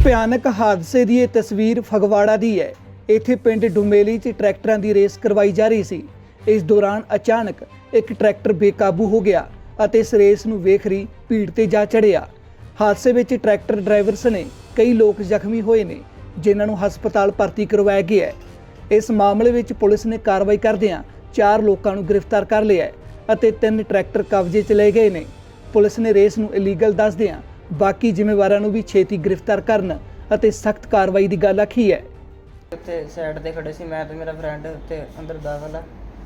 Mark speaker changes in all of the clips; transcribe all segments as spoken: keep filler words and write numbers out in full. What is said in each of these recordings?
Speaker 1: ਭਿਆਨਕ ਹਾਦਸੇ ਦੀ ਇਹ ਤਸਵੀਰ ਫਗਵਾੜਾ ਦੀ ਹੈ। ਇੱਥੇ ਪਿੰਡ ਡੁਮੇਲੀ 'ਚ ਟਰੈਕਟਰਾਂ ਦੀ ਰੇਸ ਕਰਵਾਈ ਜਾ ਰਹੀ ਸੀ। ਇਸ ਦੌਰਾਨ ਅਚਾਨਕ ਇੱਕ ਟਰੈਕਟਰ ਬੇਕਾਬੂ ਹੋ ਗਿਆ ਅਤੇ ਇਸ ਰੇਸ ਨੂੰ ਵੇਖ ਰਹੀ ਭੀੜ ਤੇ ਜਾ ਚੜ੍ਹਿਆ। ਹਾਦਸੇ ਵਿੱਚ ਟਰੈਕਟਰ ਡਰਾਈਵਰ ਸਣੇ ਕਈ ਲੋਕ ਜ਼ਖਮੀ ਹੋਏ ਨੇ, ਜਿਨ੍ਹਾਂ ਨੂੰ ਹਸਪਤਾਲ ਭਰਤੀ ਕਰਵਾਇਆ ਗਿਆ ਹੈ। ਇਸ ਮਾਮਲੇ ਵਿੱਚ ਪੁਲਿਸ ਨੇ ਕਾਰਵਾਈ ਕਰਦਿਆਂ ਚਾਰ ਲੋਕਾਂ ਨੂੰ ਗ੍ਰਿਫਤਾਰ ਕਰ ਲਿਆ ਹੈ ਅਤੇ ਤਿੰਨ ਟਰੈਕਟਰ ਕਬਜ਼ੇ 'ਚ ਲਏ ਗਏ ਨੇ। ਪੁਲਿਸ ਨੇ ਰੇਸ ਨੂੰ ਇਲੀਗਲ ਦੱਸਦਿਆਂ ਬਾਕੀ ਜ਼ਿੰਮੇਵਾਰਾਂ ਨੂੰ ਵੀ ਛੇਤੀ ਗ੍ਰਿਫਤਾਰ ਕਰਨ ਅਤੇ ਸਖਤ ਕਾਰਵਾਈ ਦੀ ਗੱਲ ਆਖੀ ਹੈ।
Speaker 2: ਉੱਥੇ ਸਾਈਡ ਤੇ ਖੜੇ ਸੀ ਮੈਂ ਤੇ ਮੇਰਾ ਫਰੈਂਡ, ਉੱਥੇ ਅੰਦਰ ਦਾਖਲ ਆ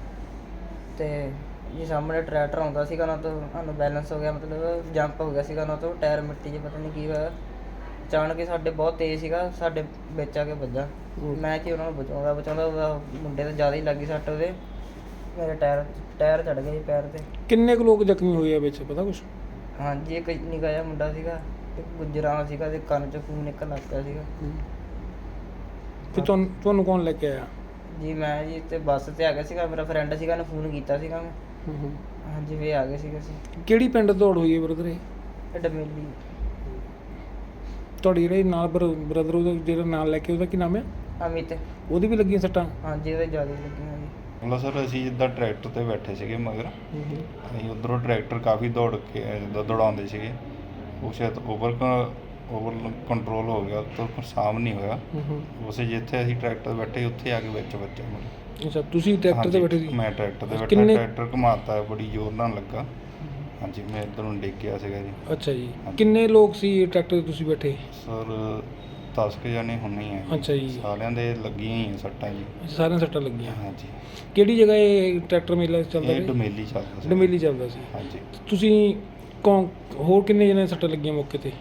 Speaker 2: ਤੇ ਜੀ ਸਾਹਮਣੇ ਟਰੈਕਟਰ ਆਉਂਦਾ ਸੀਗਾ ਨਾ, ਤੋਂ ਸਾਨੂੰ ਬੈਲੈਂਸ ਹੋ ਗਿਆ, ਮਤਲਬ ਜੰਪ ਹੋ ਗਿਆ ਸੀਗਾ ਨਾ, ਤੋਂ ਟਾਇਰ ਮਿੱਟੀ 'ਚ ਪਤਾ ਨਹੀਂ ਕੀ ਹੋਇਆ। ਅਚਾਨਕ ਹੀ ਸਾਡੇ ਬਹੁਤ ਤੇਜ਼ ਸੀਗਾ, ਸਾਡੇ ਵਿੱਚ ਆ ਕੇ ਵੱਜਾ। ਮੈਂ ਕਿ ਉਹਨਾਂ ਨੂੰ ਬਚਾਉਂਦਾ ਬਚਾਉਂਦਾ ਉਹਦਾ ਮੁੰਡੇ ਤੇ ਜ਼ਿਆਦਾ ਹੀ ਲੱਗੀ ਸੱਟ, ਉਹਦੇ ਮੇਰੇ ਟਾਇਰ ਟਾਇਰ ਚੜ ਗਿਆ ਜੀ ਪੈਰ ਤੇ।
Speaker 3: ਕਿੰਨੇ ਕੁ ਲੋਕ ਜ਼ਖਮੀ ਹੋਏ ਆ ਵਿੱਚ, ਪਤਾ ਕੁਛ?
Speaker 2: ਹਾਂਜੀ, ਇੱਕ ਨਿੱਕਾ ਜਿਹਾ ਮੁੰਡਾ ਸੀਗਾ, ਇੱਕ ਗੁੱਜਰਾਂ ਸੀਗਾ ਤੇ ਕੰਨ 'ਚ ਖੂਨ ਨਿਕਲਣ ਲੱਗ ਪਿਆ ਸੀਗਾ।
Speaker 3: ਤੇ ਤੁਹਾਨੂੰ ਤੁਹਾਨੂੰ ਕੌਣ ਲੈ ਕੇ ਆਇਆ?
Speaker 2: ਜੀ ਮੈਂ ਜੀ ਤੇ ਬੱਸ ਤੇ ਆ ਗਿਆ ਸੀਗਾ, ਮੇਰਾ ਫਰੈਂਡ ਸੀਗਾ, ਉਹਨੇ ਫੋਨ ਕੀਤਾ ਸੀਗਾ ਮੈਂ। ਹਾਂਜੀ ਵੀ ਆ ਗਏ ਸੀਗੇ ਅਸੀਂ।
Speaker 3: ਕਿਹੜੀ ਪਿੰਡ ਦੌੜ ਹੋਈ ਹੈ ਬ੍ਰਦਰ? ਇਹ
Speaker 2: ਇਹ ਡਮੇਲੀ।
Speaker 3: ਤੁਹਾਡੀ ਜਿਹੜੇ ਨਾਲ ਬ੍ਰਦਰ ਉਹਦਾ ਜਿਹੜਾ ਨਾਲ ਲੈ ਕੇ, ਉਹਦਾ ਕੀ ਨਾਮ ਹੈ?
Speaker 2: ਅਮਿਤ।
Speaker 3: ਉਹਦੀ ਵੀ ਲੱਗੀਆਂ ਸੱਟਾਂ?
Speaker 2: ਹਾਂਜੀ ਉਹਦੇ ਜ਼ਿਆਦਾ ਹੀ ਲੱਗੀਆਂ ਜੀ।
Speaker 4: ਮਤਲਬ ਸਰ ਅਸੀਂ ਜਿੱਦਾਂ ਟਰੈਕਟਰ ਤੇ ਬੈਠੇ ਸੀਗੇ ਮਗਰ, ਅਸੀਂ ਉੱਧਰੋਂ ਟਰੈਕਟਰ ਕਾਫੀ ਦੌੜ ਕੇ ਜਿੱਦਾਂ ਦੌੜਾਉਂਦੇ ਸੀਗੇ, ਉਹ ਸ਼ਾਇਦ ਓਵਰ ਓਵਰ ਕੰਟਰੋਲ ਹੋ ਗਿਆ, ਤਾਂ ਸਾਮ ਨਹੀਂ ਹੋਇਆ। ਉਸੇ ਜਿੱਥੇ ਅਸੀਂ ਟਰੈਕਟਰ ਬੈਠੇ ਉੱਥੇ ਆ ਕੇ ਵਿੱਚ ਵੱਜਿਆ ਮਤਲਬ।
Speaker 3: ਅੱਛਾ, ਤੁਸੀਂ ਟਰੈਕਟਰ ਤੇ ਬੈਠੇ ਸੀ?
Speaker 4: ਮੈਂ ਟਰੈਕਟਰ ਤੇ ਬੈਠਾ, ਟਰੈਕਟਰ ਘੁਮਾਤਾ ਬੜੀ ਜ਼ੋਰ ਨਾਲ ਲੱਗਾ। ਹਾਂਜੀ, ਮੈਂ ਇੱਧਰ ਨੂੰ ਡਿੱਗ ਗਿਆ ਸੀਗਾ ਜੀ।
Speaker 3: ਅੱਛਾ ਜੀ, ਕਿੰਨੇ ਲੋਕ ਸੀ ਟਰੈਕਟਰ ਤੇ ਤੁਸੀਂ ਬੈਠੇ?
Speaker 4: ਸਰ ਦਸ ਕੁ ਜਾਣੇ ਹੋਣੇ ਆ।
Speaker 3: ਅੱਛਾ ਜੀ,
Speaker 4: ਸਾਰਿਆਂ ਦੇ ਲੱਗੀਆਂ ਹੀ ਆ ਸੱਟਾਂ ਜੀ।
Speaker 3: ਸਾਰਿਆਂ ਸੱਟਾਂ ਲੱਗੀਆਂ?
Speaker 4: ਹਾਂਜੀ।
Speaker 3: ਕਿਹੜੀ ਜਗ੍ਹਾ ਇਹ ਟਰੈਕਟਰ ਮੇਲਾ ਚੱਲਦਾ?
Speaker 4: ਇਹ ਡੁਮੇਲੀ ਚੱਲਦਾ ਸੀ।
Speaker 3: ਡੁਮੇਲੀ ਚੱਲਦਾ ਸੀ।
Speaker 4: ਹਾਂਜੀ।
Speaker 3: ਤੁਸੀਂ ਕੌਣ ਹੋਰ ਕਿੰਨੇ ਜਣੇ ਸੱਟਾਂ ਲੱਗੀਆਂ ਮੌਕੇ ਤੇ?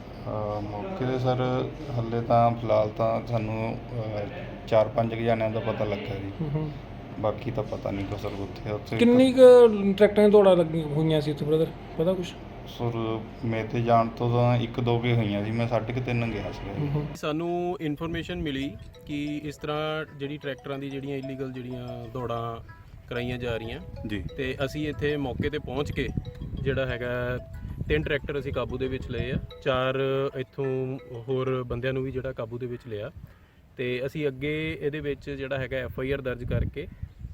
Speaker 4: ਮੌਕੇ 'ਤੇ ਸਰ ਹਾਲੇ ਤਾਂ ਫਿਲਹਾਲ ਤਾਂ ਸਾਨੂੰ ਚਾਰ ਪੰਜ ਕੁ ਜਣਿਆਂ ਦਾ ਪਤਾ ਲੱਗਾ ਜੀ, ਬਾਕੀ ਤਾਂ ਪਤਾ ਨਹੀਂ ਕੋ ਸਰ। ਉੱਥੇ ਉੱਥੇ
Speaker 3: ਕਿੰਨੀ ਕੁ ਟਰੈਕਟਰਾਂ ਦੀ ਦੌੜਾਂ ਲੱਗੀਆਂ ਹੋਈਆਂ ਸੀ ਉੱਥੇ ਬ੍ਰਦਰ, ਪਤਾ ਕੁਛ?
Speaker 4: ਸਰ ਮੇਰੇ ਤੇ ਜਾਣ ਤੋਂ ਤਾਂ ਇੱਕ ਦੋ ਕੁ ਹੋਈਆਂ ਸੀ, ਮੈਂ ਸਾਢੇ ਕੁ ਤਿੰਨ ਗਿਆ ਸੀਗਾ।
Speaker 5: ਸਾਨੂੰ ਇਨਫੋਰਮੇਸ਼ਨ ਮਿਲੀ ਕਿ ਇਸ ਤਰ੍ਹਾਂ ਜਿਹੜੀ ਟਰੈਕਟਰਾਂ ਦੀ ਜਿਹੜੀਆਂ ਇਲੀਗਲ ਜਿਹੜੀਆਂ ਦੌੜਾਂ ਕਰਾਈਆਂ ਜਾ ਰਹੀਆਂ ਜੀ, ਤੇ ਅਸੀਂ ਇੱਥੇ ਮੌਕੇ ਤੇ ਪਹੁੰਚ ਕੇ ਜਿਹੜਾ ਹੈਗਾ ਤਿੰਨ ਟਰੈਕਟਰ ਅਸੀਂ ਕਾਬੂ ਦੇ ਵਿੱਚ ਲਏ ਆ, ਚਾਰ ਇੱਥੋਂ ਹੋਰ ਬੰਦਿਆਂ ਨੂੰ ਵੀ ਜਿਹੜਾ ਕਾਬੂ ਦੇ ਵਿੱਚ ਲਿਆ, ਤੇ ਅਸੀਂ ਅੱਗੇ ਇਹਦੇ ਵਿੱਚ ਜਿਹੜਾ ਹੈਗਾ ਐਫ ਆਈ ਆਰ ਦਰਜ ਕਰਕੇ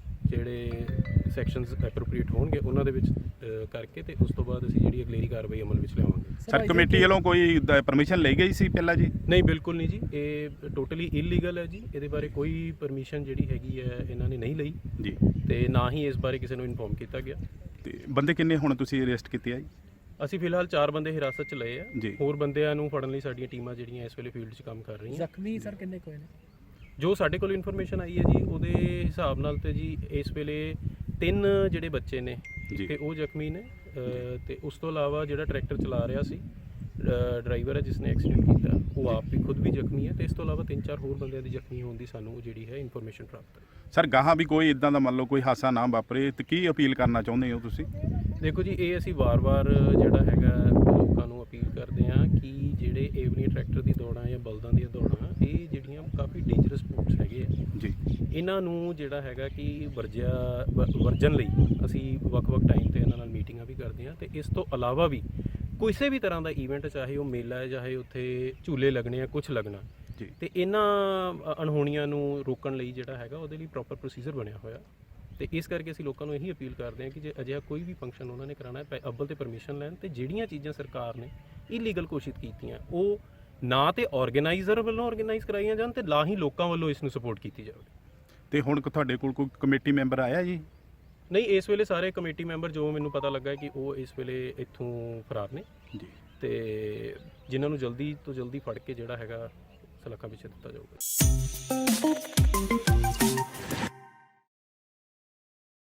Speaker 5: ਜਿਹੜੇ ਸੈਕਸ਼ਨਸ ਐਪਰੋਪਰੀਏਟ ਹੋਣਗੇ ਉਹਨਾਂ ਦੇ ਵਿੱਚ ਕਰਕੇ, ਤੇ ਉਸ ਤੋਂ ਬਾਅਦ ਅਸੀਂ ਜਿਹੜੀ ਅਗਲੇਰੀ ਕਾਰਵਾਈ ਅਮਲ ਵਿੱਚ ਲਿਆਵਾਂਗੇ।
Speaker 6: ਸਰ ਕਮੇਟੀ ਵੱਲੋਂ ਕੋਈ ਪਰਮਿਸ਼ਨ ਲਈ ਗਈ ਸੀ ਪਹਿਲਾਂ ਜੀ?
Speaker 5: ਨਹੀਂ, ਬਿਲਕੁਲ ਨਹੀਂ ਜੀ, ਇਹ ਟੋਟਲੀ ਇਲੀਗਲ ਹੈ ਜੀ। ਇਹਦੇ ਬਾਰੇ ਕੋਈ ਪਰਮਿਸ਼ਨ ਜਿਹੜੀ ਹੈਗੀ ਹੈ ਇਹਨਾਂ ਨੇ ਨਹੀਂ ਲਈ ਜੀ, ਤੇ ਨਾ ਹੀ ਇਸ ਬਾਰੇ ਕਿਸੇ ਨੂੰ ਇਨਫੋਰਮ ਕੀਤਾ ਗਿਆ।
Speaker 6: ਤੇ ਬੰਦੇ ਕਿੰਨੇ ਹੁਣ ਤੁਸੀਂ ਅਰੈਸਟ ਕੀਤੇ ਆ ਜੀ?
Speaker 5: ਅਸੀਂ ਫਿਲਹਾਲ ਚਾਰ ਬੰਦੇ ਹਿਰਾਸਤ 'ਚ ਲਏ ਆ, ਹੋਰ ਬੰਦਿਆਂ ਨੂੰ ਫੜਨ ਲਈ ਸਾਡੀਆਂ ਟੀਮਾਂ ਜਿਹੜੀਆਂ ਇਸ ਵੇਲੇ ਫੀਲਡ 'ਚ ਕੰਮ ਕਰ ਰਹੀਆਂ।
Speaker 3: ਜ਼ਖਮੀ ਸਰ ਕਿੰਨੇ ਕੋਈ ਨੇ?
Speaker 5: ਜੋ ਸਾਡੇ ਕੋਲ ਇਨਫੋਰਮੇਸ਼ਨ ਆਈ ਹੈ ਜੀ, ਉਹਦੇ ਹਿਸਾਬ ਨਾਲ ਤੇ ਜੀ ਇਸ ਵੇਲੇ ਤਿੰਨ ਜਿਹੜੇ ਬੱਚੇ ਨੇ ਤੇ ਉਹ ਜ਼ਖਮੀ ਨੇ, ਤੇ ਉਸ ਤੋਂ ਇਲਾਵਾ ਜਿਹੜਾ ਟਰੈਕਟਰ ਚਲਾ ਰਿਹਾ ਸੀ ਡਰਾਈਵਰ ਹੈ ਜਿਸ ਨੇ ਐਕਸੀਡੈਂਟ ਕੀਤਾ, ਉਹ ਆਪ ਵੀ ਖੁਦ ਵੀ ਜ਼ਖਮੀ ਹੈ, ਤੇ ਇਸ ਤੋਂ ਇਲਾਵਾ ਤਿੰਨ ਚਾਰ ਹੋਰ ਬੰਦਿਆਂ ਦੀ ਜ਼ਖਮੀ ਹੋਣ ਦੀ ਸਾਨੂੰ ਜਿਹੜੀ ਹੈ ਇਨਫੋਰਮੇਸ਼ਨ ਪ੍ਰਾਪਤ ਹੈ।
Speaker 6: ਸਰ ਗਾਹਾਂ ਵੀ ਕੋਈ ਇਦਾਂ ਦਾ ਮੰਨ ਲਓ ਕੋਈ ਹਾਦਸਾ ਨਾ ਵਾਪਰੇ ਤੇ ਕੀ ਅਪੀਲ ਕਰਨਾ ਚਾਹੁੰਦੇ ਹੋ ਤੁਸੀਂ?
Speaker 5: ਦੇਖੋ ਜੀ, ਇਹ ਅਸੀਂ ਵਾਰ-ਵਾਰ ਜਿਹੜਾ ਹੈਗਾ ਲੋਕਾਂ ਨੂੰ ਅਪੀਲ ਕਰਦੇ ਹਾਂ ਕਿ ਜਿਹੜੇ ਇਹ ਵਾਲੀਆਂ ਟਰੈਕਟਰ ਦੀ ਦੌੜਾਂ ਜਾਂ ਬਲਦਾਂ ਦੀਆਂ ਦੌੜਾਂ, ਇਹ ਜਿਹੜੀਆਂ ਕਾਫੀ ਡੇਂਜਰਸ ਸਪੋਰਟਸ ਹੈਗੇ ਆ ਜੀ, ਇਹਨਾਂ ਨੂੰ ਜਿਹੜਾ ਹੈਗਾ ਕਿ ਵਰਜਿਆ ਵਰਜਨ ਲਈ ਅਸੀਂ ਵੱਖ-ਵੱਖ ਟਾਈਮ 'ਤੇ ਇਹਨਾਂ ਨਾਲ ਮੀਟਿੰਗਾਂ ਵੀ ਕਰਦੇ ਹਾਂ, ਤੇ ਇਸ ਤੋਂ ਇਲਾਵਾ ਵੀ ਕਿਸੇ ਵੀ ਤਰ੍ਹਾਂ ਦਾ ਈਵੈਂਟ, ਚਾਹੇ ਉਹ ਮੇਲਾ ਹੈ, ਚਾਹੇ ਉੱਥੇ ਝੂਲੇ ਲੱਗਣੇ ਆ, ਕੁਛ ਲੱਗਣਾ ਜੀ, ਤੇ ਇਹਨਾਂ ਅਣਹੋਣੀਆਂ ਨੂੰ ਰੋਕਣ ਲਈ ਜਿਹੜਾ ਹੈਗਾ ਉਹਦੇ ਲਈ ਪ੍ਰੋਪਰ ਪ੍ਰੋਸੀਜਰ ਬਣਿਆ ਹੋਇਆ। ਤੇ ਇਸ ਕਰਕੇ ਅਸੀਂ ਲੋਕਾਂ ਨੂੰ ਇਹੀ ਅਪੀਲ ਕਰਦੇ ਹਾਂ ਕਿ ਜੇ ਅਜਿਹਾ ਕੋਈ ਵੀ ਫੰਕਸ਼ਨ ਉਹਨਾਂ ਨੇ ਕਰਾਉਣਾ ਹੈ, ਅੱਵਲ ਤੇ ਪਰਮਿਸ਼ਨ ਲੈਣ, ਤੇ ਜਿਹੜੀਆਂ ਚੀਜ਼ਾਂ ਸਰਕਾਰ ਨੇ ਇਲੀਗਲ ਘੋਸ਼ਿਤ ਕੀਤੀਆਂ ਉਹ ਨਾ ਤੇ ਆਰਗੇਨਾਈਜ਼ਰ ਵੱਲੋਂ ਆਰਗੇਨਾਈਜ਼ ਕਰਾਈਆਂ ਜਾਣ, ਤੇ ਨਾ ਹੀ ਲੋਕਾਂ ਵੱਲੋਂ ਇਸ ਨੂੰ ਸਪੋਰਟ ਕੀਤੀ ਜਾਵੇ। ਤੇ ਹੁਣ ਤੁਹਾਡੇ ਕੋਲ ਕੋਈ ਕਮੇਟੀ ਮੈਂਬਰ ਆਇਆ ਜੀ? ਨਹੀਂ, ਇਸ ਵੇਲੇ ਸਾਰੇ ਕਮੇਟੀ ਮੈਂਬਰ ਜੋ ਮੈਨੂੰ ਪਤਾ ਲੱਗਾ ਕਿ ਉਹ ਇਸ ਵੇਲੇ ਇੱਥੋਂ ਫਰਾਰ ਨੇ ਜੀ, ਤੇ ਜਿਨ੍ਹਾਂ ਨੂੰ ਜਲਦੀ ਤੋਂ ਜਲਦੀ ਫੜ ਕੇ ਜਿਹੜਾ ਹੈਗਾ ਸਲਾਖਾਂ ਪਿੱਛੇ ਦਿੱਤਾ ਜਾਊਗਾ।